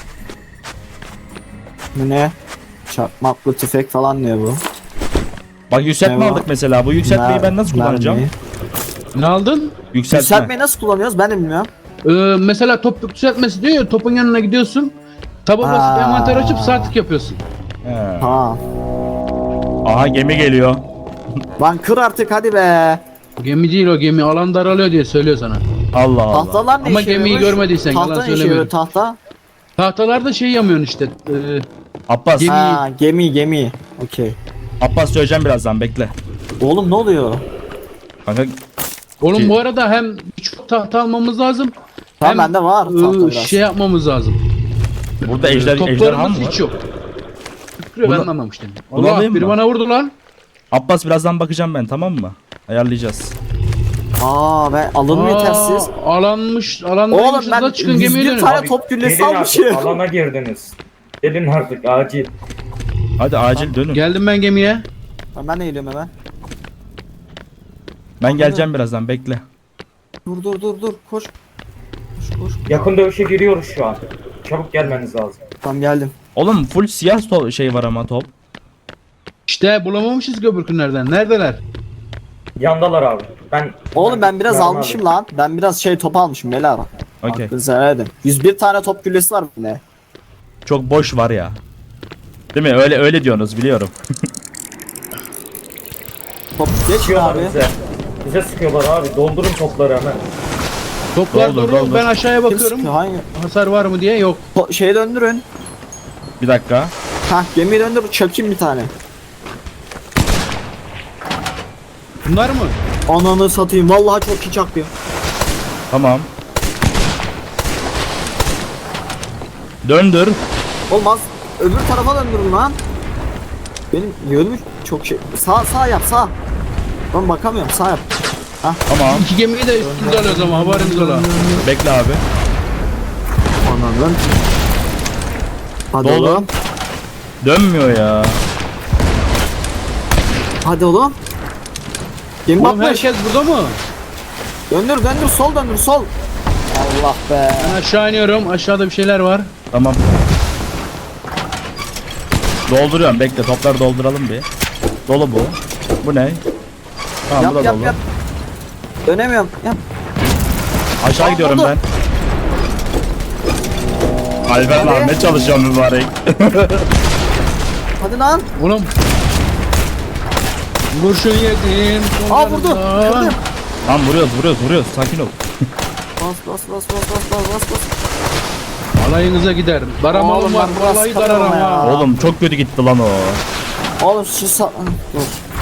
[SPEAKER 2] Bu ne? Çakmaklı tüfek falan diyor bu.
[SPEAKER 1] Bak yükseltme
[SPEAKER 2] Ne var?
[SPEAKER 1] aldık mesela. Bu yükseltmeyi ben nasıl kullanacağım?
[SPEAKER 2] Mermi.
[SPEAKER 3] Ne aldın?
[SPEAKER 1] Yükseltme.
[SPEAKER 2] Yükseltmeyi nasıl kullanıyoruz ben de bilmiyorum.
[SPEAKER 3] Mesela top yükseltmesi diyor ya topun yanına gidiyorsun. Taba basıp
[SPEAKER 2] Aa.
[SPEAKER 3] envanter açıp sağ tık yapıyorsun.
[SPEAKER 1] He.
[SPEAKER 2] Ha.
[SPEAKER 1] Aha gemi geliyor.
[SPEAKER 2] Lan kır artık hadi be.
[SPEAKER 3] Gemi değil o gemi alan daralıyor diye söylüyor sana.
[SPEAKER 1] Allah Allah.
[SPEAKER 2] Tahtalar ne
[SPEAKER 3] Ama
[SPEAKER 2] işe
[SPEAKER 3] gemiyi
[SPEAKER 2] yarıyormuş?
[SPEAKER 3] görmediysen yalan
[SPEAKER 2] Tahta ne işe
[SPEAKER 3] söylemedim.
[SPEAKER 2] yarıyor tahta?
[SPEAKER 3] Tahtalarda şey yamıyorsun işte.
[SPEAKER 1] Abbas.
[SPEAKER 3] Gemi-
[SPEAKER 2] Ha gemi. Okey.
[SPEAKER 1] Abbas söyleyeceğim birazdan, bekle.
[SPEAKER 2] Oğlum ne oluyor?
[SPEAKER 1] Kanka
[SPEAKER 3] Oğlum
[SPEAKER 1] Ki-
[SPEAKER 3] bu arada hem çok tahta almamız lazım.
[SPEAKER 2] Tamam
[SPEAKER 3] hem,
[SPEAKER 2] bende var tahta biraz.
[SPEAKER 3] şey yapmamız lazım.
[SPEAKER 1] burada ejderha mı
[SPEAKER 3] Toplarımız
[SPEAKER 1] var?
[SPEAKER 3] hiç yok. Şükrü ben
[SPEAKER 1] Bunu-
[SPEAKER 3] anlamamıştım.
[SPEAKER 1] bunu
[SPEAKER 3] Allah
[SPEAKER 1] alayım
[SPEAKER 3] biri
[SPEAKER 1] mı?
[SPEAKER 3] bana vurdu lan.
[SPEAKER 1] Abbas birazdan bakacağım ben, tamam mı? Ayarlayacağız.
[SPEAKER 2] Aa ben alın yetersiz.
[SPEAKER 3] Alanmış
[SPEAKER 2] Oğlum ben
[SPEAKER 3] da çıkın gemiye
[SPEAKER 2] 101
[SPEAKER 3] dönün.
[SPEAKER 2] tane
[SPEAKER 3] Abi,
[SPEAKER 2] top güllesi
[SPEAKER 4] Gelin
[SPEAKER 2] almışım.
[SPEAKER 4] artık alana girdiniz. Gelin artık acil.
[SPEAKER 1] Hadi acil dönün.
[SPEAKER 3] Geldim ben gemiye.
[SPEAKER 2] Ben de geliyorum hemen.
[SPEAKER 1] Ben geleceğim birazdan, bekle.
[SPEAKER 2] Dur koş. Koş.
[SPEAKER 4] Yakın dövüşe giriyoruz şu an. Çabuk gelmeniz lazım.
[SPEAKER 2] Tamam geldim.
[SPEAKER 1] Oğlum full siyah şey var ama top.
[SPEAKER 3] İşte bulamamışız göbürkünlerden. Neredeler?
[SPEAKER 4] Yandalar abi.
[SPEAKER 2] Oğlum ben biraz
[SPEAKER 4] mermi
[SPEAKER 2] almışım lan. Ben biraz şey top almışım beyler.
[SPEAKER 1] Okey.
[SPEAKER 2] Hakkınızı helal edin. 101 tane top güllesi var bende.
[SPEAKER 1] Çok boş var ya. Değil mi? Öyle diyorsunuz, biliyorum.
[SPEAKER 2] Top geç
[SPEAKER 4] Sıkıyorlar
[SPEAKER 2] abi.
[SPEAKER 4] bize. Bize sıkıyorlar abi. Doldurun topları hemen.
[SPEAKER 3] Toplar
[SPEAKER 1] Doldur,
[SPEAKER 3] dolu.
[SPEAKER 1] doldur.
[SPEAKER 3] Ben aşağıya
[SPEAKER 2] Kim
[SPEAKER 3] bakıyorum.
[SPEAKER 2] sıkıyor? Hangi?
[SPEAKER 3] Hasar var mı diye yok.
[SPEAKER 2] Şeyi döndürün.
[SPEAKER 1] Bir dakika.
[SPEAKER 2] Hah gemiyi döndür çakayım bir tane.
[SPEAKER 3] Bunlar mı?
[SPEAKER 2] Ananı satayım vallahi çok iyi çaktım.
[SPEAKER 1] Tamam. Döndür.
[SPEAKER 2] Olmaz. Öbür tarafa döndürün lan. Benim yönüm çok şey. Sağ yap sağ. Ben bakamıyorum sağ yap.
[SPEAKER 1] Tamam.
[SPEAKER 3] İki gemiyi de üstünde alıyoruz ama haberiniz ola.
[SPEAKER 1] Bekle abi.
[SPEAKER 2] Ananın. Hadi
[SPEAKER 1] Dolu.
[SPEAKER 2] oğlum.
[SPEAKER 1] Dönmüyor ya.
[SPEAKER 2] Hadi oğlum. Gemi
[SPEAKER 3] Oğlum
[SPEAKER 2] batmış.
[SPEAKER 3] herkes burada mı?
[SPEAKER 2] Döndür sol döndür sol. Allah be.
[SPEAKER 3] Ben aşağı iniyorum. Aşağıda bir şeyler var.
[SPEAKER 1] Tamam. Dolduruyorum, bekle, topları dolduralım bir. Dolu bu. Bu ne? Tamam, bu da
[SPEAKER 2] Yap
[SPEAKER 1] dolu.
[SPEAKER 2] yap. Dönemiyorum. Yap.
[SPEAKER 1] Aşağı gidiyorum
[SPEAKER 2] oldu.
[SPEAKER 1] ben. Alper lan ne çalışıyorsun mübarek.
[SPEAKER 2] Hadi lan.
[SPEAKER 3] Oğlum. Kurşun yedim.
[SPEAKER 2] Aa vurdu. Kırdım.
[SPEAKER 1] Lan vuruyoruz sakin ol.
[SPEAKER 2] Bas.
[SPEAKER 3] Alayınıza gider. Baramalım
[SPEAKER 2] Oğlum
[SPEAKER 3] var.
[SPEAKER 2] ben biraz
[SPEAKER 3] Vallahi
[SPEAKER 2] kapadım
[SPEAKER 3] dararım
[SPEAKER 2] ya.
[SPEAKER 3] ha.
[SPEAKER 1] Oğlum çok kötü gitti lan o.
[SPEAKER 2] Oğlum şu dur.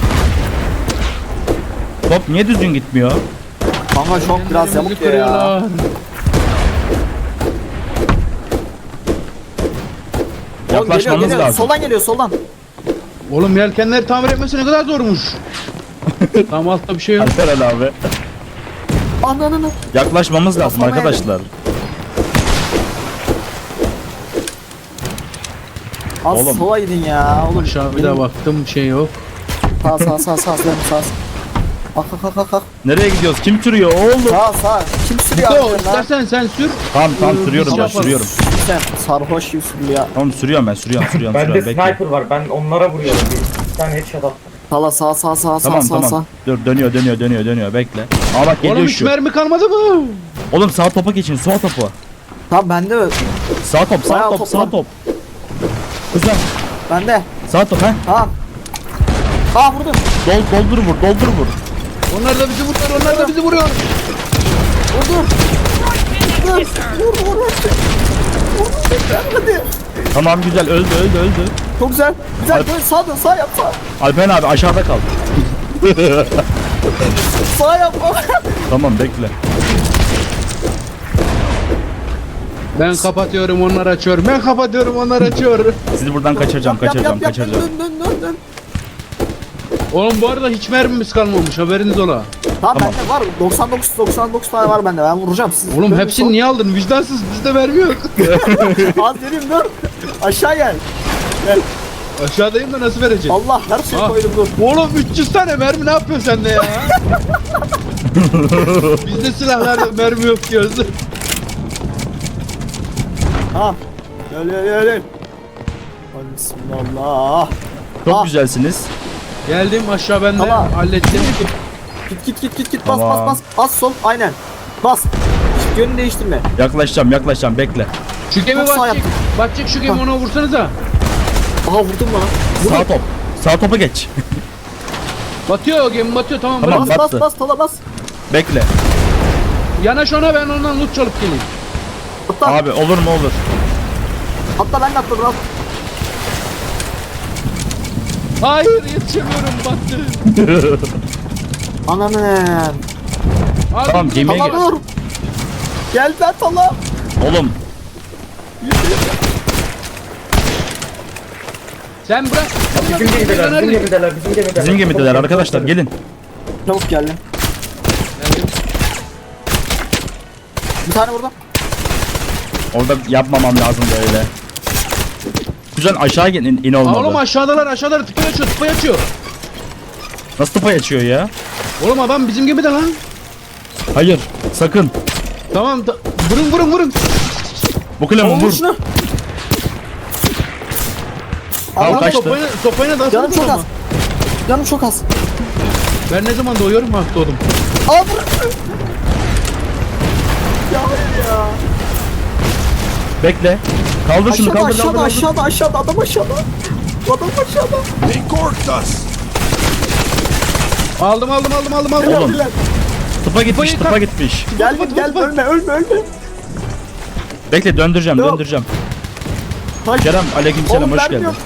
[SPEAKER 1] Top niye düzgün gitmiyor?
[SPEAKER 2] Kanka çok biraz
[SPEAKER 3] Ellerimizi
[SPEAKER 2] yamuk ya.
[SPEAKER 3] kırıyorlar.
[SPEAKER 2] Oğlum
[SPEAKER 1] Yaklaşmamız
[SPEAKER 2] geliyor.
[SPEAKER 1] lazım.
[SPEAKER 2] Soldan geliyor soldan.
[SPEAKER 3] Oğlum yelkenleri tamir etmesi ne kadar zormuş. Tam altta bir şey yok.
[SPEAKER 1] Alper Ali abi.
[SPEAKER 2] Ananı.
[SPEAKER 1] Yaklaşmamız lazım
[SPEAKER 2] Kafama
[SPEAKER 1] arkadaşlar.
[SPEAKER 2] Az
[SPEAKER 1] Oğlum.
[SPEAKER 2] sola gidin ya. Oğlum.
[SPEAKER 3] Aşağı bir daha baktım bir şey yok.
[SPEAKER 2] Sağ. Kalk.
[SPEAKER 1] Nereye gidiyoruz? Kim sürüyor oğlum?
[SPEAKER 2] Sağ. Kim sürüyor
[SPEAKER 3] Niko
[SPEAKER 2] arkadan lan?
[SPEAKER 3] istersen sen sür.
[SPEAKER 1] Tamam sürüyorum
[SPEAKER 3] Biz
[SPEAKER 1] ben
[SPEAKER 3] yaparız.
[SPEAKER 1] sürüyorum.
[SPEAKER 2] Sen sarhoş gibi sürüyor ya.
[SPEAKER 1] Tamam sürüyorum ben sürüyorum
[SPEAKER 4] Bende
[SPEAKER 1] bekle.
[SPEAKER 4] sniper var. Ben onlara vuruyorum. Bir tane headshot attım.
[SPEAKER 2] Sağ.
[SPEAKER 1] Tamam. Dur dönüyor bekle. Aa bak geliyor
[SPEAKER 3] Oğlum hiç
[SPEAKER 1] şu.
[SPEAKER 3] mermi kalmadı mı?
[SPEAKER 1] Oğlum sağ topa geçin sağ topu.
[SPEAKER 2] Tamam bende mi?
[SPEAKER 1] Sağ top
[SPEAKER 2] Bayağı
[SPEAKER 1] sağ
[SPEAKER 2] top
[SPEAKER 1] top
[SPEAKER 2] var.
[SPEAKER 1] sağ top. Güzel.
[SPEAKER 2] Bende.
[SPEAKER 1] Sağ top ha.
[SPEAKER 2] Tamam. Aa vurdum.
[SPEAKER 1] Doldur vur.
[SPEAKER 3] Onlar da bizi vuruyor, onlar da bizi vuruyor.
[SPEAKER 2] Vurdum. Vur. Hadi.
[SPEAKER 1] Tamam güzel öldü.
[SPEAKER 2] Çok güzel. Güzel. Dön sağ yap.
[SPEAKER 1] Alper abi aşağıda kal.
[SPEAKER 2] Sağ yap.
[SPEAKER 1] Tamam bekle.
[SPEAKER 3] Ben kapatıyorum, onlar açıyor. Ben kapatıyorum, onlar açıyor.
[SPEAKER 1] Sizi buradan kaçıracağım.
[SPEAKER 2] Dön.
[SPEAKER 3] Oğlum bu arada hiç mermimiz kalmamış, haberiniz ola.
[SPEAKER 2] Tamam bende var. 99 tane var bende. Ben vuracağım sizi.
[SPEAKER 3] Oğlum
[SPEAKER 2] Dön,
[SPEAKER 3] hepsini
[SPEAKER 2] sol.
[SPEAKER 3] niye aldın? Vicdansız, bizde mermi yok.
[SPEAKER 2] Az vereyim dur. Aşağı gel.
[SPEAKER 3] Aşağıdayım da nasıl vereceğim?
[SPEAKER 2] Allah her şeyi
[SPEAKER 3] Ah.
[SPEAKER 2] koydum dur.
[SPEAKER 3] Oğlum 300 tane mermi ne yapıyorsun sen de ya? Bizde silahlarda mermi yok diyoruz.
[SPEAKER 2] Tamam. Gel. Hadi bismillah.
[SPEAKER 1] Çok
[SPEAKER 2] Ah.
[SPEAKER 1] güzelsiniz.
[SPEAKER 3] Geldim aşağı ben de
[SPEAKER 2] Tamam.
[SPEAKER 3] hallettim.
[SPEAKER 2] Git.
[SPEAKER 1] Tamam.
[SPEAKER 2] Bas. Az sol. Aynen. Bas. Yönünü değiştirme.
[SPEAKER 1] Yaklaşacağım bekle.
[SPEAKER 3] Şu gemi
[SPEAKER 2] Çok sağ
[SPEAKER 3] batacak.
[SPEAKER 2] yaptın.
[SPEAKER 3] Batacak şu gemi, ona vursanıza.
[SPEAKER 2] Aha vurdum lan.
[SPEAKER 1] Sağ top. Sağ topa geç.
[SPEAKER 3] Batıyor o gemi, batıyor, tamam,
[SPEAKER 1] Tamam.
[SPEAKER 3] bırak.
[SPEAKER 1] battı.
[SPEAKER 2] Bas. Tola bas.
[SPEAKER 1] Bekle.
[SPEAKER 3] Yanaş ona, ben ondan loot çalıp geleyim.
[SPEAKER 2] Atla.
[SPEAKER 1] Abi olur mu olur.
[SPEAKER 2] Atla ben de atladım. At.
[SPEAKER 3] Hayır, yetişemiyorum, battı.
[SPEAKER 2] Ananı.
[SPEAKER 3] Abi,
[SPEAKER 1] Tamam, gemiye
[SPEAKER 2] Tala
[SPEAKER 1] gel.
[SPEAKER 2] dur. Gel ben Tala.
[SPEAKER 1] Oğlum
[SPEAKER 3] Sen bırak.
[SPEAKER 4] Bizim gemideler.
[SPEAKER 1] bizim gemideler arkadaşlar gelin.
[SPEAKER 2] Çabuk geldim. Bir tane vurdum.
[SPEAKER 1] Orada yapmamam lazım böyle. Güzel aşağı in
[SPEAKER 3] Aa, oğlum
[SPEAKER 1] olmadı.
[SPEAKER 3] aşağıdalar, tıpayı açıyor.
[SPEAKER 1] Nasıl tıpa açıyor ya?
[SPEAKER 3] Oğlum adam bizim gemide lan.
[SPEAKER 1] Hayır sakın.
[SPEAKER 3] Tamam, vurun.
[SPEAKER 1] Bu kalemin
[SPEAKER 2] Oğlum
[SPEAKER 1] vur.
[SPEAKER 2] şunu.
[SPEAKER 1] Tamam
[SPEAKER 2] Allah'ım,
[SPEAKER 1] kaçtı.
[SPEAKER 3] Sopayla daha
[SPEAKER 2] Canım çok az. Canım çok az.
[SPEAKER 3] Ben ne zaman doğuyorum? Bak doğdum.
[SPEAKER 2] Aa vur. Ya hayır ya.
[SPEAKER 1] Bekle. Kaldır şunu kaldır.
[SPEAKER 2] Aşağıda adam aşağıda. Adam aşağıda.
[SPEAKER 3] Aldım.
[SPEAKER 1] Oğlum. Tıpa gitmiş tıpa gitmiş.
[SPEAKER 2] Gel ölme.
[SPEAKER 1] Bekle döndüreceğim.
[SPEAKER 2] Hayır.
[SPEAKER 1] Kerem aleykümselam
[SPEAKER 2] Oğlum
[SPEAKER 1] hoş
[SPEAKER 2] vermiyor.
[SPEAKER 1] geldin.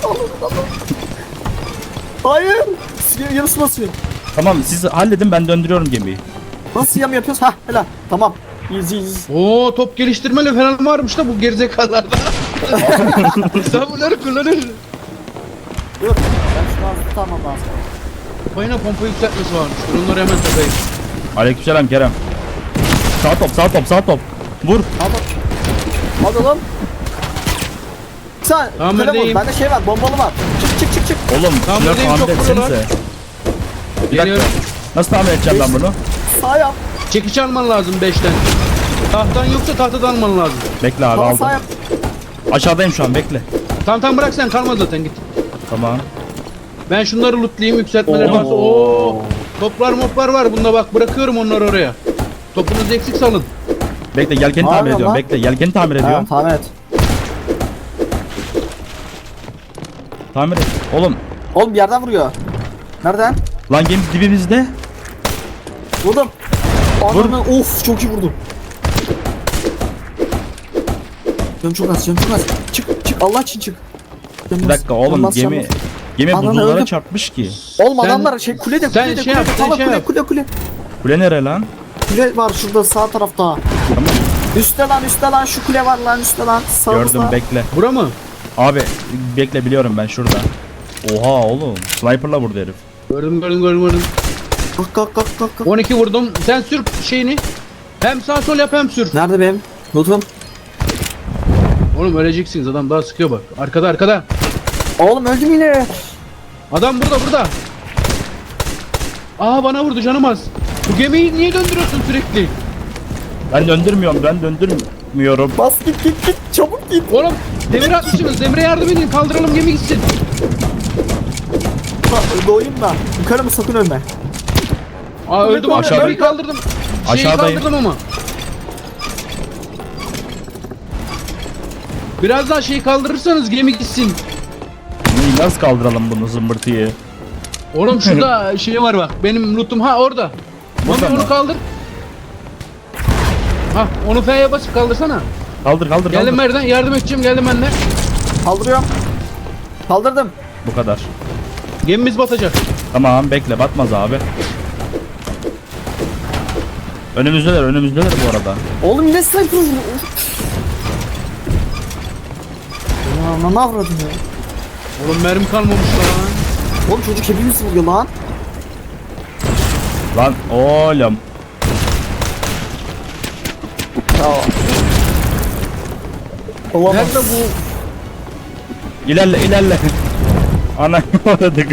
[SPEAKER 2] Hayır. Yarısı basıyor.
[SPEAKER 1] Tamam siz halledin ben döndürüyorum gemiyi.
[SPEAKER 2] Nasıl yam yapıyoruz? Hah helal. Tamam. Easy.
[SPEAKER 3] Oo, top geliştirmeli falan varmış da bu gerizekalılarda. Sen bunları kullanır.
[SPEAKER 2] Dur. Ben şunu az tutamam lazım.
[SPEAKER 3] Payına pompa yükseltmesi varmış. Dur onları hemen takayım.
[SPEAKER 1] Aleykümselam Kerem. Sağ top. Vur.
[SPEAKER 2] Hadi oğlum. Sen
[SPEAKER 3] Tamam,
[SPEAKER 2] telefon.
[SPEAKER 3] neredeyim?
[SPEAKER 2] Bende şey var. Bombalı var. Çık.
[SPEAKER 1] Oğlum
[SPEAKER 3] Tamam,
[SPEAKER 1] şunları
[SPEAKER 3] buradayım,
[SPEAKER 1] tamir
[SPEAKER 3] çok
[SPEAKER 1] etsenize.
[SPEAKER 3] buralar.
[SPEAKER 1] Bir dakika.
[SPEAKER 3] Geliyorum.
[SPEAKER 1] Nasıl tamir edeceğim ben bunu?
[SPEAKER 2] Sağ yap.
[SPEAKER 3] Çekiç alman lazım 5'ten. Tahtan yoksa tahtadan alman lazım.
[SPEAKER 1] Bekle abi
[SPEAKER 2] Bana
[SPEAKER 1] aldım.
[SPEAKER 2] sağ yap.
[SPEAKER 1] Aşağıdayım şu an bekle.
[SPEAKER 3] Tamam bırak, sen kalma zaten, git.
[SPEAKER 1] Tamam.
[SPEAKER 3] Ben şunları lootlayayım, yükseltmeleri
[SPEAKER 2] Oo.
[SPEAKER 3] varsa. Oo. Toplar moplar var bunda bak bırakıyorum onları oraya. Topunuzu eksik salın.
[SPEAKER 1] Bekle yelkeni
[SPEAKER 2] Ne
[SPEAKER 1] tamir
[SPEAKER 2] yapıyorsun
[SPEAKER 1] ediyorum.
[SPEAKER 2] lan?
[SPEAKER 1] Bekle yelkeni tamir
[SPEAKER 2] Ha,
[SPEAKER 1] ediyorum.
[SPEAKER 2] tamam et.
[SPEAKER 1] Tamir et. Oğlum
[SPEAKER 2] Oğlum bir yerden vuruyor. Nereden?
[SPEAKER 1] lan gemi dibimizde.
[SPEAKER 2] Vurdum. Ananı of çok iyi vurdum. Canım çok az, canım çok az. Çık Allah için çık. Canım
[SPEAKER 1] Bir
[SPEAKER 2] az,
[SPEAKER 1] dakika oğlum
[SPEAKER 2] canım az, canım
[SPEAKER 1] gemi
[SPEAKER 2] az. Ananı
[SPEAKER 1] buzullara
[SPEAKER 2] öldüm.
[SPEAKER 1] çarpmış ki.
[SPEAKER 2] Oğlum
[SPEAKER 3] Sen-
[SPEAKER 2] adamlar şey kulede
[SPEAKER 3] sen
[SPEAKER 2] kulede
[SPEAKER 3] şey
[SPEAKER 2] kulede.
[SPEAKER 3] yap, sen
[SPEAKER 2] Tamam,
[SPEAKER 3] şey yap.
[SPEAKER 2] kule.
[SPEAKER 1] Kule nere lan?
[SPEAKER 2] Kule var şurada sağ tarafta.
[SPEAKER 1] Tamam.
[SPEAKER 2] Üstte lan şu kule var lan üstte lan. Sağımızda.
[SPEAKER 1] Gördüm bekle.
[SPEAKER 3] Bura mı?
[SPEAKER 1] Abi bekle biliyorum ben şurada. Oha oğlum. Sniper'la vurdu herif.
[SPEAKER 3] Gördüm.
[SPEAKER 2] Kalk.
[SPEAKER 3] 12 vurdum. Sen sür şeyini. Hem sağ sol yap hem sür.
[SPEAKER 2] Nerede benim? Lootum.
[SPEAKER 3] Oğlum öleceksiniz adam daha sıkıyor bak. Arkada.
[SPEAKER 2] Oğlum öldüm yine.
[SPEAKER 3] Adam burada. Aa bana vurdu canım az. Bu gemiyi niye döndürüyorsun sürekli?
[SPEAKER 1] Ben döndürmüyorum.
[SPEAKER 2] Bas git çabuk git.
[SPEAKER 3] Oğlum demir atmışsınız. Demire yardım edin. Kaldıralım gemi gitsin.
[SPEAKER 2] Doğayım da. Yukarı mı sakın ölme.
[SPEAKER 3] Aa öldüm ama
[SPEAKER 1] Aşağıda-
[SPEAKER 3] gemiyi kaldırdım. Şeyi
[SPEAKER 1] Aşağıdayım.
[SPEAKER 3] kaldırdım ama. Biraz daha şeyi kaldırırsanız gemi gitsin.
[SPEAKER 1] Nasıl kaldıralım bunu zımbırtıyı?
[SPEAKER 3] Oğlum şurada şey var bak. Benim lootum ha orada.
[SPEAKER 1] Burada
[SPEAKER 3] Mami
[SPEAKER 1] mı?
[SPEAKER 3] onu kaldır. Ha onu F'ye basıp kaldırsana.
[SPEAKER 1] Kaldır.
[SPEAKER 3] Geldim Merdan yardım edeceğim geldim ben de.
[SPEAKER 2] Kaldırıyorum. Kaldırdım.
[SPEAKER 1] Bu kadar.
[SPEAKER 3] Gemimiz batacak.
[SPEAKER 1] Tamam bekle batmaz abi. Önümüzdeler bu arada.
[SPEAKER 2] Oğlum yine sniper vuruyor. Ya ne avradın ya?
[SPEAKER 3] Oğlum mermi kalmamış lan.
[SPEAKER 2] Oğlum çocuk hepimiz vuruyor lan.
[SPEAKER 1] Lan oğlum.
[SPEAKER 2] Ya. Olamaz.
[SPEAKER 3] Nerede bu?
[SPEAKER 1] İlerle. Ana uğradık.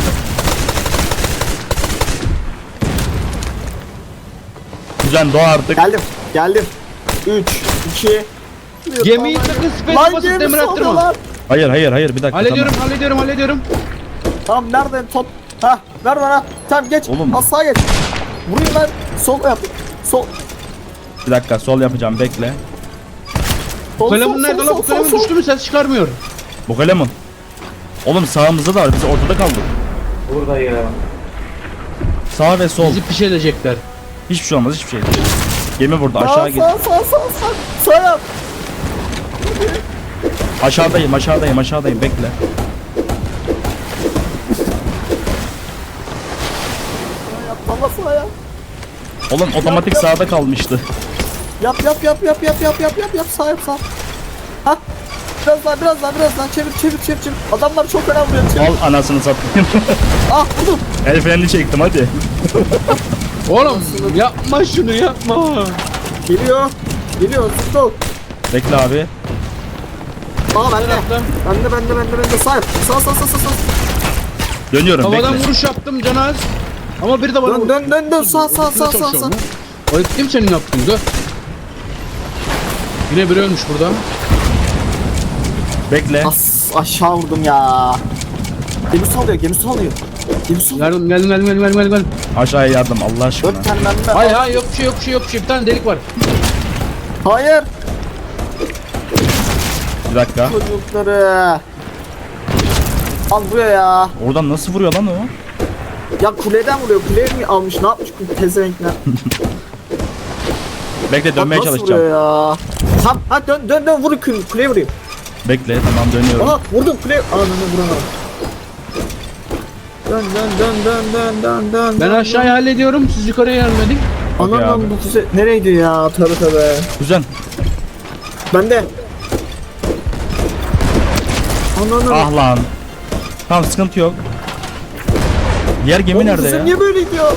[SPEAKER 1] Kuzen doğa artık.
[SPEAKER 2] Geldim. 3, 2,
[SPEAKER 3] Gemiyi sakın space
[SPEAKER 2] lan
[SPEAKER 3] basıp
[SPEAKER 2] gemi
[SPEAKER 3] demir attırma.
[SPEAKER 2] salıyorlar.
[SPEAKER 1] Hayır bir dakika.
[SPEAKER 3] Hallediyorum.
[SPEAKER 2] Tamam nerede top? Ha ver bana. Tamam geç.
[SPEAKER 1] Oğlum.
[SPEAKER 2] Sağa geç. Vurayım ben. Sol yap. Sol.
[SPEAKER 1] Tamam. Bir dakika sol yapacağım bekle.
[SPEAKER 2] Sol,
[SPEAKER 3] Kalemun nerede lan? Bu kalemun düştü mü ses çıkarmıyor.
[SPEAKER 1] Bu kalemun. Oğlum sağımızda da var biz ortada kaldık.
[SPEAKER 4] Burada ya.
[SPEAKER 1] Sağ ve sol.
[SPEAKER 3] Bizi piş edecekler.
[SPEAKER 1] Hiçbir şey olmaz hiçbir şey. Gemi burada aşağı git.
[SPEAKER 2] Sağ yap.
[SPEAKER 1] Aşağıdayım bekle.
[SPEAKER 2] Ama sağ yap.
[SPEAKER 1] Oğlum otomatik sağda kalmıştı.
[SPEAKER 2] Yap. Sağ yap sağ. Ha. Biraz daha çevir. Adamlar çok önemli vuruyor. Çevir.
[SPEAKER 1] Al anasını satayım.
[SPEAKER 2] Ah vurdum.
[SPEAKER 1] El freni çektim hadi.
[SPEAKER 3] Oğlum yapma şunu yapma.
[SPEAKER 2] Geliyor. Stop.
[SPEAKER 1] Bekle abi.
[SPEAKER 2] Aa bende.
[SPEAKER 3] Taraftan.
[SPEAKER 2] Bende. Sağ yap. Sağ.
[SPEAKER 1] Dönüyorum
[SPEAKER 3] Havadan
[SPEAKER 1] bekle.
[SPEAKER 3] vuruş yaptım Canaz. Ama bir de bana vurdu.
[SPEAKER 2] Dön. Sağ.
[SPEAKER 3] Ayıp değil mi senin yaptığın? Dön. Yine biri ölmüş burada.
[SPEAKER 1] Bekle.
[SPEAKER 2] Aşağı vurdum ya. Gemi salıyor.
[SPEAKER 3] Geldim.
[SPEAKER 1] Aşağıya yardım Allah aşkına.
[SPEAKER 2] 4 tane bende.
[SPEAKER 3] Hayır yok bir şey. Bir tane delik var.
[SPEAKER 2] Hayır.
[SPEAKER 1] Bir dakika.
[SPEAKER 2] Çocukları. Al buraya ya.
[SPEAKER 1] Oradan nasıl vuruyor lan o?
[SPEAKER 2] Ya kuleden vuruyor. Kuleye mi almış? Ne yapmış bu pezevenkler?
[SPEAKER 1] Bekle
[SPEAKER 2] Bak
[SPEAKER 1] dönmeye
[SPEAKER 2] nasıl
[SPEAKER 1] çalışacağım.
[SPEAKER 2] vuruyor ya? Tamam. Ha dön vur kuleye vurayım.
[SPEAKER 1] Bekle tamam dönüyorum.
[SPEAKER 2] Aha vurdum kuleye. Ananı vuramadım. Dön.
[SPEAKER 3] Ben aşağıya hallediyorum. Siz yukarıya yardım edin.
[SPEAKER 1] Okey abi.
[SPEAKER 2] Ananı bu füze nereye gidiyor ya? Tövbe.
[SPEAKER 1] Kuzen.
[SPEAKER 2] Bende. Ananı.
[SPEAKER 1] Ah lan. Tamam sıkıntı yok. Diğer gemi
[SPEAKER 2] Oğlum,
[SPEAKER 1] nerede
[SPEAKER 2] füze
[SPEAKER 1] ya?
[SPEAKER 2] niye böyle gidiyor?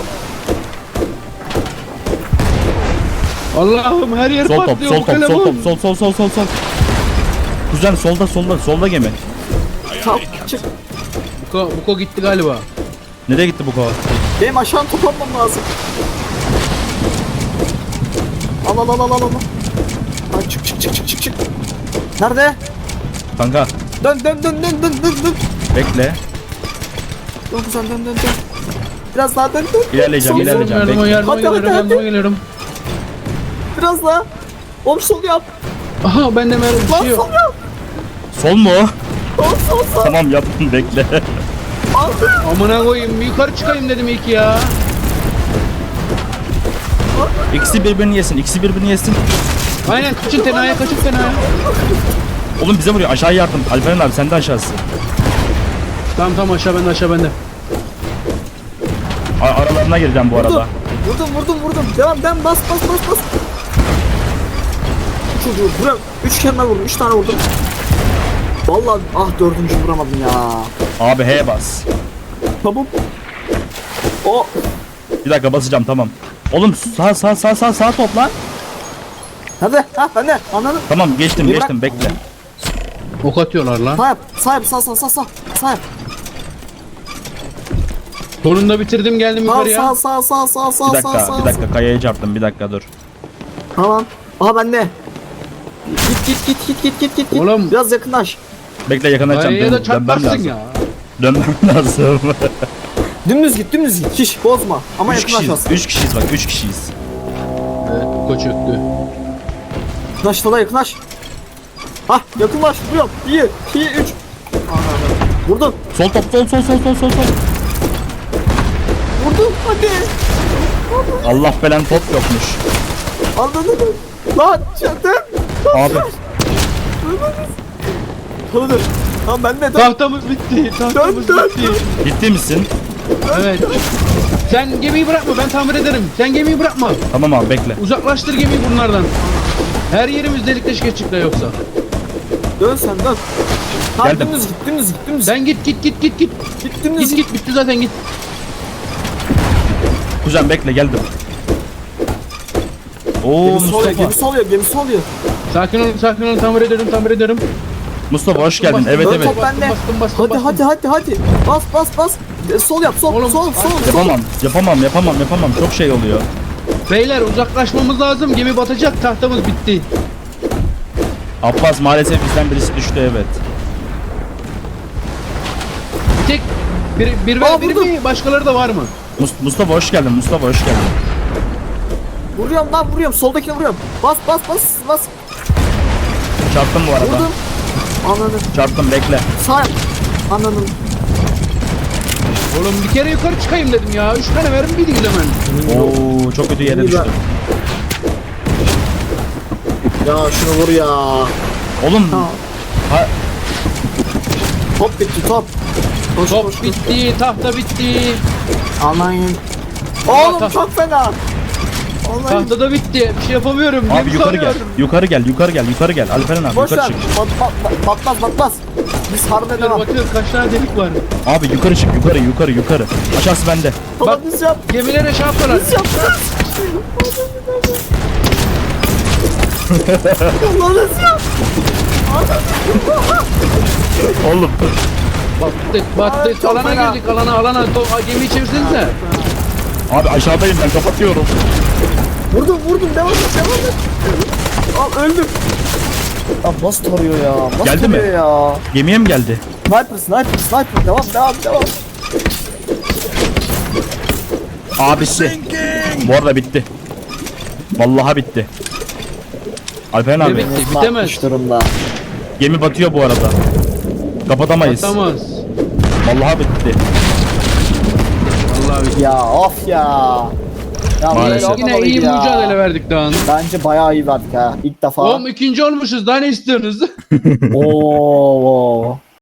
[SPEAKER 3] Allah'ım her yer
[SPEAKER 1] Sol top,
[SPEAKER 3] patlıyor
[SPEAKER 1] sol
[SPEAKER 3] bu
[SPEAKER 1] top,
[SPEAKER 3] kalemun.
[SPEAKER 1] sol. Kuzen solda gemi.
[SPEAKER 2] Tamam çık.
[SPEAKER 3] Buko gitti galiba.
[SPEAKER 1] Nereye gitti bu kova?
[SPEAKER 2] Benim aşağı top atmam lazım. Al. Ha, çık. Nerede?
[SPEAKER 1] Kanka
[SPEAKER 2] Dön.
[SPEAKER 1] bekle.
[SPEAKER 2] Dön kuzen dön. Biraz daha dön dön.
[SPEAKER 1] İlerleyeceğim,
[SPEAKER 2] Sol,
[SPEAKER 1] ilerleyeceğim.
[SPEAKER 3] Yardıma
[SPEAKER 1] Bekle.
[SPEAKER 3] yardıma
[SPEAKER 2] Hadi,
[SPEAKER 3] geliyorum,
[SPEAKER 2] hadi,
[SPEAKER 3] yardıma
[SPEAKER 2] hadi.
[SPEAKER 3] geliyorum.
[SPEAKER 2] Biraz daha. Oğlum sol yap.
[SPEAKER 3] Aha bende mermi bir
[SPEAKER 2] Lan
[SPEAKER 3] şey yok.
[SPEAKER 2] sol yap.
[SPEAKER 1] Sol mu?
[SPEAKER 2] Sol.
[SPEAKER 1] Tamam yaptım bekle.
[SPEAKER 2] Aldım.
[SPEAKER 3] Amına koyayım, bir yukarı çıkayım dedim ilk ya.
[SPEAKER 1] İkisi birbirini yesin, ikisi birbirini yesin.
[SPEAKER 3] Aynen, kaçın tenaya, kaçın tenaya.
[SPEAKER 1] Oğlum bize vuruyor, aşağı yardım. Alperen abi sen de aşağısın.
[SPEAKER 3] Tamam aşağı bende, aşağı bende.
[SPEAKER 1] Aralarına gireceğim bu arada.
[SPEAKER 2] Vurdum. Devam bas. Çocuğu vuram. 3 kere vurdum. 3 tane vurdum. Vallahi dördüncü vuramadım ya.
[SPEAKER 1] Abi H bas.
[SPEAKER 2] Tamam. O
[SPEAKER 1] Bir dakika basacağım tamam. Oğlum sağ topla.
[SPEAKER 2] hadi hadi anladın.
[SPEAKER 1] Tamam geçtim
[SPEAKER 2] Bir bırak.
[SPEAKER 1] bekle.
[SPEAKER 3] Ok atıyorlar lan.
[SPEAKER 2] Sağ yap sağ yap.
[SPEAKER 3] Sonunda bitirdim, geldim yukarıya.
[SPEAKER 2] Sağ.
[SPEAKER 1] Bir dakika kayaya çarptım bir dakika dur.
[SPEAKER 2] Tamam. Aha bende. Git.
[SPEAKER 3] Oğlum.
[SPEAKER 2] Biraz yakınlaş.
[SPEAKER 1] Bekle yakınlaşacağım.
[SPEAKER 3] Kayaya da
[SPEAKER 1] Dönmem
[SPEAKER 3] çarparsın
[SPEAKER 1] lazım.
[SPEAKER 3] ya.
[SPEAKER 1] Dönmem lazım.
[SPEAKER 2] Dümdüz git. Hiç bozma. Ama
[SPEAKER 1] 3 kişiyiz.
[SPEAKER 2] yakınlaşmasın.
[SPEAKER 1] 3 kişiyiz bak 3 kişiyiz.
[SPEAKER 3] Evet, koç öktü.
[SPEAKER 2] Yakınlaş. Hah yakınlaş. Vuruyorum. 2, 3. Vurdum.
[SPEAKER 1] Sol top sol.
[SPEAKER 2] Vurdum. Hadi.
[SPEAKER 1] Allah belen top yokmuş.
[SPEAKER 2] Anladın. Lan çatım.
[SPEAKER 1] Abi
[SPEAKER 2] Dur. Tamam ben de
[SPEAKER 3] Tahtamız bitti, tahtamız
[SPEAKER 2] Dön.
[SPEAKER 3] bitti.
[SPEAKER 1] ciddi misin?
[SPEAKER 3] Evet. Sen gemiyi bırakma, ben tamir ederim. Sen gemiyi bırakma.
[SPEAKER 1] Tamam abi bekle.
[SPEAKER 3] Uzaklaştır gemiyi bunlardan. Her yerimiz delik deşik edecekler yoksa.
[SPEAKER 2] Dön sen dön. Tamam
[SPEAKER 1] Geldim.
[SPEAKER 2] dümdüz git.
[SPEAKER 3] Sen git.
[SPEAKER 2] Git dümdüz
[SPEAKER 3] Git bitti zaten git.
[SPEAKER 1] Kuzen bekle geldim. Oo
[SPEAKER 2] Gemi soluyor.
[SPEAKER 3] Sakin olun, tamir ederim.
[SPEAKER 1] Mustafa hoş geldin.
[SPEAKER 3] Bastım,
[SPEAKER 1] Evet
[SPEAKER 2] Dön
[SPEAKER 1] evet.
[SPEAKER 2] top bende.
[SPEAKER 3] Bastım.
[SPEAKER 2] Hadi. Bas. Sol yap sol.
[SPEAKER 3] Oğlum,
[SPEAKER 2] Sol.
[SPEAKER 1] Yapamam. Çok şey oluyor.
[SPEAKER 3] Beyler uzaklaşmamız lazım. Gemi batacak. Tahtamız bitti.
[SPEAKER 1] Abbas maalesef bizden birisi düştü evet.
[SPEAKER 3] Bir tek bir
[SPEAKER 2] Aa,
[SPEAKER 3] ve bir
[SPEAKER 2] vurdum.
[SPEAKER 3] mi? Başkaları da var mı?
[SPEAKER 1] Mustafa hoş geldin.
[SPEAKER 2] Vuruyorum. Soldakine vuruyorum. Bas.
[SPEAKER 1] Çarptım bu arada.
[SPEAKER 2] Vurdum. Anladım.
[SPEAKER 1] Çarptım bekle.
[SPEAKER 2] Sağ yap. Anladım.
[SPEAKER 3] Oğlum bir kere yukarı çıkayım dedim ya. 3 tane verin bir hemen.
[SPEAKER 1] Oo çok kötü yere
[SPEAKER 2] İyi
[SPEAKER 1] düştüm.
[SPEAKER 2] Ya şunu vur ya.
[SPEAKER 1] Oğlum
[SPEAKER 2] Tamam.
[SPEAKER 1] ha,
[SPEAKER 2] Top bitti top. Koş.
[SPEAKER 3] Top bitti, tahta bitti.
[SPEAKER 2] Allah'ım. Oğlum
[SPEAKER 3] Tahta-
[SPEAKER 2] çok fena. Allah'ım.
[SPEAKER 3] Tahta da bitti. Bir şey yapamıyorum.
[SPEAKER 1] abi
[SPEAKER 3] Gemi
[SPEAKER 1] yukarı gel.
[SPEAKER 3] sarıyorum.
[SPEAKER 1] Yukarı gel. Alperen abi
[SPEAKER 2] Boş
[SPEAKER 1] yukarı
[SPEAKER 2] ver.
[SPEAKER 1] çık.
[SPEAKER 2] Batmaz. Biz harbe devam.
[SPEAKER 3] Bakıyorum kaç tane delik var.
[SPEAKER 1] Abi yukarı çık. Yukarı. Aşağısı bende.
[SPEAKER 2] Bak biz yap.
[SPEAKER 3] Gemilere şey yaptılar.
[SPEAKER 2] Biz yaptık. Allah'ım yap.
[SPEAKER 1] Oğlum.
[SPEAKER 3] Battık.
[SPEAKER 2] çok
[SPEAKER 3] Alana
[SPEAKER 2] fena.
[SPEAKER 3] girdik. Alana. Gemiyi çevirsenize.
[SPEAKER 1] Abi aşağıdayım ben kapatıyorum.
[SPEAKER 2] Vurdum. Devam et. Al öldüm. Ya nasıl tarıyor ya? Nasıl
[SPEAKER 1] Geldi mi?
[SPEAKER 2] tarıyor ya?
[SPEAKER 1] Gemiye mi geldi?
[SPEAKER 2] Sniper. Devam.
[SPEAKER 1] Abisi. Bu arada bitti. Vallahi bitti. Alperen abi.
[SPEAKER 3] Evet. Bitemez.
[SPEAKER 2] Batmış durumda.
[SPEAKER 1] Gemi batıyor bu arada. Kapatamayız.
[SPEAKER 3] Batamaz.
[SPEAKER 1] Vallahi bitti.
[SPEAKER 3] Vallahi bitti.
[SPEAKER 2] Ya of ya. Ya
[SPEAKER 1] Maalesef.
[SPEAKER 2] böyle
[SPEAKER 3] Yine
[SPEAKER 2] olmamalıydı
[SPEAKER 3] iyi
[SPEAKER 2] ya.
[SPEAKER 3] mücadele verdik daha.
[SPEAKER 2] Bence bayağı iyi verdik ha. İlk defa.
[SPEAKER 3] Oğlum ikinci olmuşuz. Daha ne istiyorsunuz?
[SPEAKER 2] Oo.